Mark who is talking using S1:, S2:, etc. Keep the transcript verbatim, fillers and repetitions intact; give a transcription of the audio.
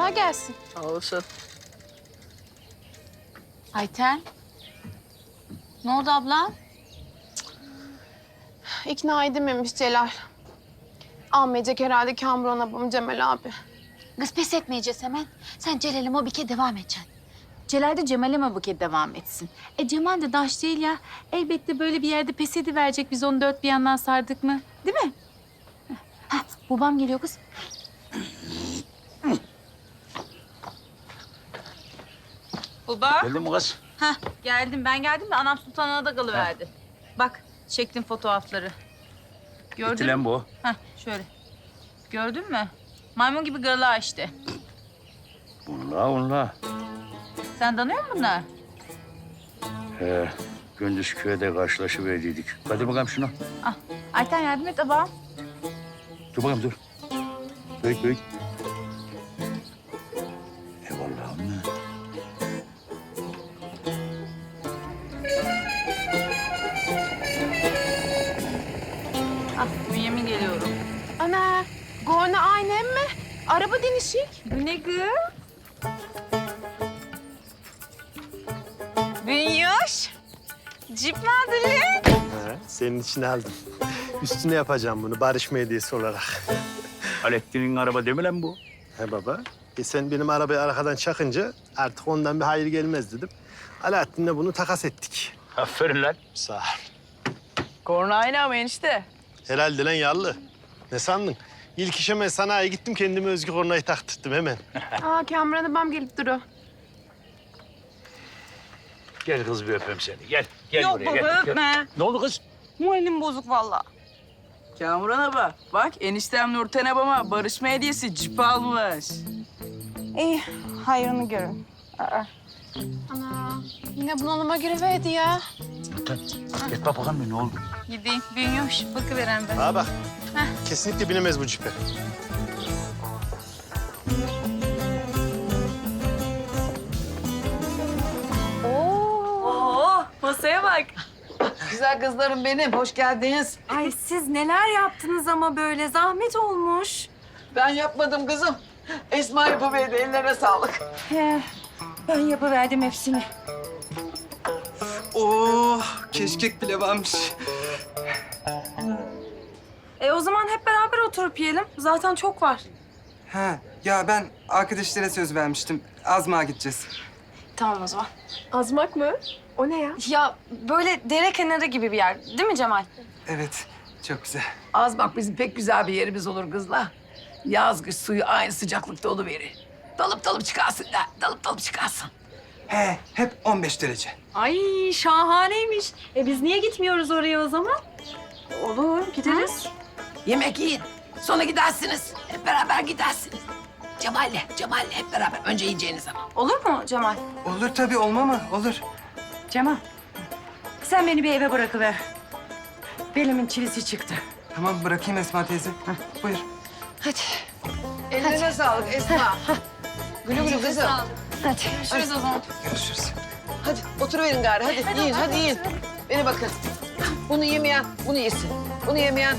S1: Kolay gelsin.
S2: Sağ olasın.
S3: Ayten. Ne oldu abla?
S1: İkna edememiş Celal. Almayacak herhalde Kamuran abim Cemal abi.
S3: Kız pes etmeyeceğiz hemen. Sen Celal'e mobike devam edeceksin. Celal de Cemal'e mobike devam etsin. E Cemal de daş değil ya. Elbette böyle bir yerde pes ediverecek biz onu dört bir yandan sardık mı? Değil mi? Hah, babam geliyor kız. Baba.
S4: Geldin mi kız?
S3: Hah, geldim. Ben geldim de anam sultanına da kalıverdi. Bak, çektim fotoğrafları. Gördün
S4: Gitti lan
S3: mü?
S4: bu.
S3: Hah, şöyle. Gördün mü? Maymun gibi gırla işte.
S4: Unla unla.
S3: Sen tanıyor musun bunlar?
S4: He, gündüz köyde karşılaşıverdiydik. Hadi bakalım şunu.
S3: Ah, Ayten yardım et abam.
S4: Dur bakalım dur. Büyük büyük. Eyvallah anne.
S3: Ah, Bünyamin geliyorum.
S1: Ana, Gorna aynen mi? Araba dinişik.
S3: Bu ne kız? Bünyoş. Cip mi aldın lan?
S5: He, senin için aldım. Üstüne yapacağım bunu barışma hediyesi olarak.
S4: Alettin'in araba değil mi lan bu?
S5: He baba. E sen benim arabayı arkadan çakınca artık ondan bir hayır gelmez dedim. Alaaddin'le bunu takas ettik.
S4: Aferin lan.
S5: Sağ ol.
S2: Korna aynı ama enişte.
S5: Herhalde lan yallı. Ne sandın? İlk işime sanayiye gittim kendime özgü kornayı taktırdım hemen.
S1: Aa, Kamuran abam gelip duruyor.
S4: Gel kız bir öpeyim seni. Gel. Gel
S2: Yok
S4: buraya
S2: baba,
S4: gel. Gel.
S2: öpme.
S4: Ne oldu kız?
S2: Moralim bozuk vallahi. Kamuran abla, bak eniştem Nurten abama barışma hediyesi cip almış.
S6: İyi, hayrını görün. Aa.
S1: Ana, yine bunalıma giriverdi ya.
S4: Gel. Gel bak bakalım ne oldu?
S3: Gideyim. Bünyoş, bakıveren ben.
S5: Ha bak. Kesinlikle binemez bu cipe.
S2: Oo, masaya bak. Güzel kızlarım benim, hoş geldiniz.
S6: Ay siz neler yaptınız ama böyle zahmet olmuş.
S2: Ben yapmadım kızım. Esma yapıverdi, ellerine sağlık.
S6: He, ben yapıverdim hepsini.
S7: Oh, keşkek bile varmış.
S6: E o zaman hep beraber oturup yiyelim. Zaten çok var.
S7: Ha, ya ben arkadaşlara söz vermiştim. Azmağa gideceğiz.
S6: Tamam o zaman.
S1: Azmak mı? O ne ya?
S6: Ya böyle dere kenarı gibi bir yer değil mi Cemal?
S7: Evet, çok güzel.
S8: Az bak bizim pek güzel bir yerimiz olur kızla. Yaz kış suyu aynı sıcaklıkta oluverir. Dalıp dalıp çıkarsın da, dalıp dalıp çıkarsın.
S7: He, hep on beş derece.
S6: Ay şahaneymiş. E biz niye gitmiyoruz oraya o zaman? Olur gideriz.
S8: Yemek yiyin, sonra gidersiniz. Hep beraber gidersiniz. Cemal'le, Cemal'le hep beraber. Önce yiyeceğiniz zaman.
S6: Olur mu Cemal?
S7: Olur tabii, olma mı? Olur.
S6: Cemal, sen beni bir eve bırakıver. Belimin çivisi çıktı.
S7: Tamam, bırakayım Esma teyze. Heh, buyur.
S6: Hadi.
S8: Ellerine sağlık Esma. Gülü gülü kızım.
S6: Hadi.
S3: Görüşürüz o zaman.
S7: Görüşürüz.
S8: Hadi oturuverin gari. Hadi, yiyin, hadi yiyin. Beni bakın. Bunu yemeyen bunu yesin. Bunu yemeyen